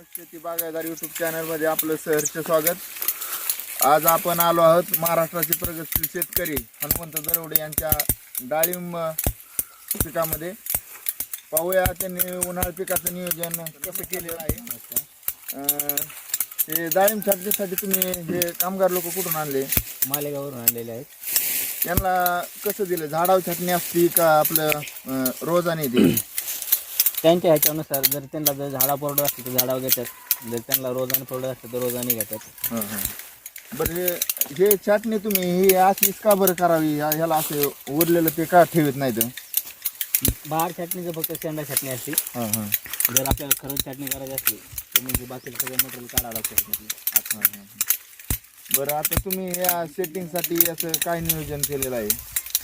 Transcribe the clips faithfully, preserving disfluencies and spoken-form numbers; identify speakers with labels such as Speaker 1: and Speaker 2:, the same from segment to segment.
Speaker 1: शेती बागायतदार YouTube channel मध्ये आपलं सहर्ष स्वागत. आज आपण आलो आहोत महाराष्ट्राचे प्रगतशील शेतकरी हनुमंत दरवडे यांच्या डाळिंब पिकामध्ये. पाहूया त्यांनी उन्हाळी पिकाचं नियोजन कसं केलेलं आहे. हे डाळिंब छाटणीसाठी तुम्ही हे कामगार लोक कुठून आणले?
Speaker 2: मालेगाववरून आणलेले आहेत.
Speaker 1: त्यांना कसं दिलं? झाडावर छाटणी असती का आपलं रोजाने दिली?
Speaker 2: त्यांच्या ह्याच्यानुसार जर त्यांना जर झाडा परवडत असते तर झाडावर घेतात, जर त्यांना रोजाने परवडत असते तर रोजाने घेतात.
Speaker 1: हां हां बरं, हे हे छाटणी तुम्ही ही अशीच का बरं करावी? ह्याला असं उरलेलं ते का ठेवत नाही तर?
Speaker 2: बाहेर छाटणीचं फक्त शेंडा छाटणी असते.
Speaker 1: हां हां
Speaker 2: जर आपल्याला खरंच छाटणी करायची असली तर म्हणजे बाकीचं सगळं मटेरियल काढावं लागतं.
Speaker 1: हां हां बरं, आता तुम्ही या सेटिंगसाठी असं काय नियोजन केलेलं आहे?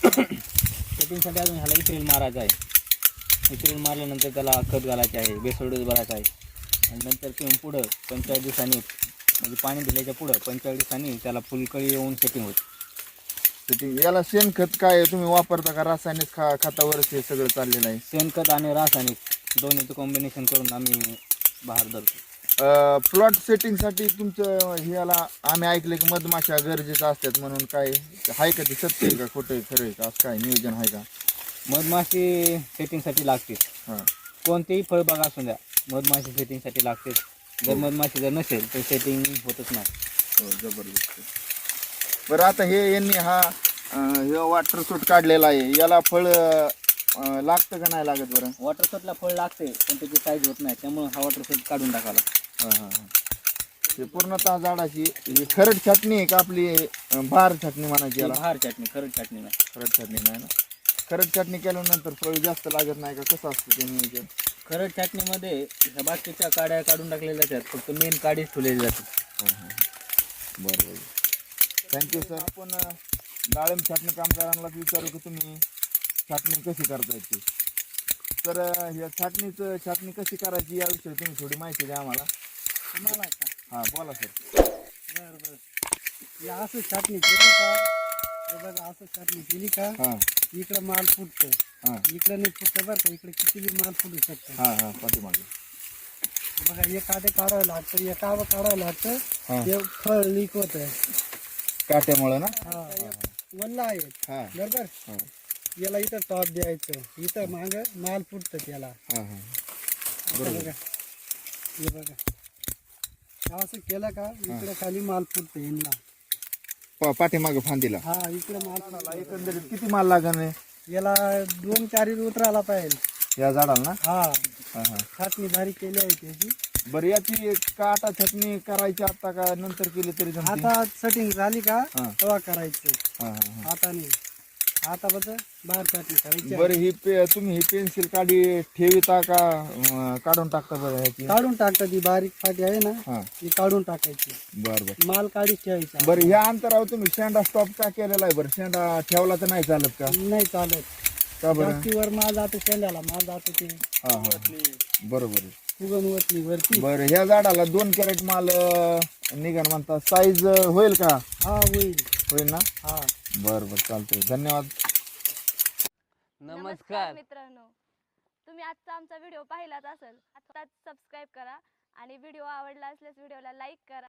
Speaker 2: सेटिंगसाठी अजून ह्याला इथ्रिल मारायचं आहे. इथ्रिल मारल्यानंतर त्याला खत घालायचे आहे, बेसल डोस भरायचा आहे आणि नंतर तिथून पुढं पंचेचाळीस दिवसांनी म्हणजे पाणी दिल्याच्या पुढं पंचेचाळीस दिवसांनी त्याला फुलकळी येऊन सेटिंग होते.
Speaker 1: सेटिंग याला शेणखत काय तुम्ही वापरता का रासायनिक खा खतावरच हे सगळं चाललेलं आहे?
Speaker 2: शेणखत आणि रासायनिक दोन्हीचं कॉम्बिनेशन करून आम्ही बाहेर धरतो.
Speaker 1: प्लॉट सेटिंगसाठी तुमचं हे याला आम्ही ऐकलं की मधमाशा गरजेचं असतात म्हणून, काय आहे का? ते सत्य आहे का खोटं आहे खरं आहे का? असं काय नियोजन आहे का?
Speaker 2: मधमाशी सेटिंगसाठी लागते.
Speaker 1: हां
Speaker 2: कोणतेही फळबाग असू द्या, मधमाशी सेटिंगसाठी लागते. जर मधमाशी जर नसेल तर सेटिंग होतच नाही.
Speaker 1: हो, जबरदस्त. बरं, आता हे यांनी हा अं, हे वॉटर सूट काढलेला आहे, याला फळ अं, लागतं का नाही लागत? बरं,
Speaker 2: वॉटर शॉटला फळ लागते पण त्याची साईज होत नाही, त्यामुळे हा वॉटर शॉट काढून टाकावा.
Speaker 1: हां हां हां हे पूर्णतः झाडाची ही खरड छाटणी आहे का आपली अं, बहार छाटणी म्हणायची याला?
Speaker 2: बाहेर चटणी, खरंच चटणी नाही.
Speaker 1: खरड छाटणी नाही ना? खरड छाटणी केल्यानंतर फळ जास्त लागत नाही का? कसं असतं ते नियोजन?
Speaker 2: खरड चटणीमध्ये ह्या बाकीच्या काड्या काढून टाकलेल्या जातात, फक्त मेन काडीच ठेवलेली जाते.
Speaker 1: बरं बरं, थँक्यू सर. आपण अं, डाळिंब छाटणी कामगारांनाच विचारू की तुम्ही छाटणी कशी करता येते. तर अं, या छाटणीचं छाटणी कशी करायची याविषयी तुम्ही थोडी माहिती द्या आम्हाला.
Speaker 3: तुम्हाला का?
Speaker 1: हां बोला सर.
Speaker 3: बरं बरं, हे असं छाटणी केली का? हे बघा, असं छाटणी केली का
Speaker 1: हां
Speaker 3: इकडं माल फुटतो,
Speaker 1: हां
Speaker 3: इकडं नाही फुटतं बरं का, इकडे किती बी माल फुटू शकतो.
Speaker 1: हां हां पाठीमागे.
Speaker 3: बघा, हे काटे काढावं लागतं, हे कावं काढावं लागतं,
Speaker 1: हां
Speaker 3: हे फळ लीक होतं.
Speaker 1: काट्यामुळं ना?
Speaker 3: हा, वल्ला आहे
Speaker 1: हां
Speaker 3: बरोबर.
Speaker 1: हां
Speaker 3: याला इथं टॉप द्यायचं, इथं माग माल फुटतं त्याला.
Speaker 1: हां हां
Speaker 3: असं बघा, हे बघा, असं केलं का इकडे खाली माल फुटतं यांना.
Speaker 1: पा पाठीमागे फांदीला.
Speaker 3: हा, इकडे माल फुटतं.
Speaker 1: एकंदरीत किती माल लागणार
Speaker 3: याला दोन चारी उतरायला पाहिजे.
Speaker 1: या झाडाला ना?
Speaker 3: हा,
Speaker 1: हां हां
Speaker 3: छाटणी भारी केली आहे त्याची.
Speaker 1: बरं, याची काटा छाटणी करायची आता का नंतर केली तरी जमते?
Speaker 3: आता सेटिंग झाली का
Speaker 1: हा.
Speaker 3: तेव्हा करायचं,
Speaker 1: हां हां हां
Speaker 3: आता नाही. आता बघ बाहेर छाटणी करायची.
Speaker 1: बरं, ही पे तुम्ही ही पेन्सिल काढी ठेविता का अं, काढून टाकता बरं ह्याची?
Speaker 3: काढून टाकता, ती बारीक फाटी आहे ना
Speaker 1: हां
Speaker 3: ती काढून टाकायची,
Speaker 1: बरं बरं
Speaker 3: माल काढीच ठेवायचा.
Speaker 1: बरं, ह्या अंतरावर तुम्ही शेंडा स्टॉप का केलेला आहे? बरं, शेंडा ठेवला तर नाही चालत का?
Speaker 3: नाही चालत,
Speaker 1: का बरं?
Speaker 3: जास्तीवर माल जातो शेंड्याला, माल जातो ते
Speaker 1: हां हां बरोबर आहे.
Speaker 3: फुगन वतली वरती.
Speaker 1: बरं, ह्या झाडाला दोन कॅरेट माल अं, निघण म्हणता, साईज होईल का?
Speaker 3: हा, होईल.
Speaker 1: होईल ना?
Speaker 3: हा,
Speaker 1: बरं बरं चालतंय, धन्यवाद.
Speaker 2: नमस्कार
Speaker 4: मित्रांनो, तुम्ही आजचा आमचा व्हिडिओ पाहिलाच असेल. आताच सबस्क्राईब करा आणि व्हिडिओ आवडला असल्यास व्हिडिओला लाईक करा.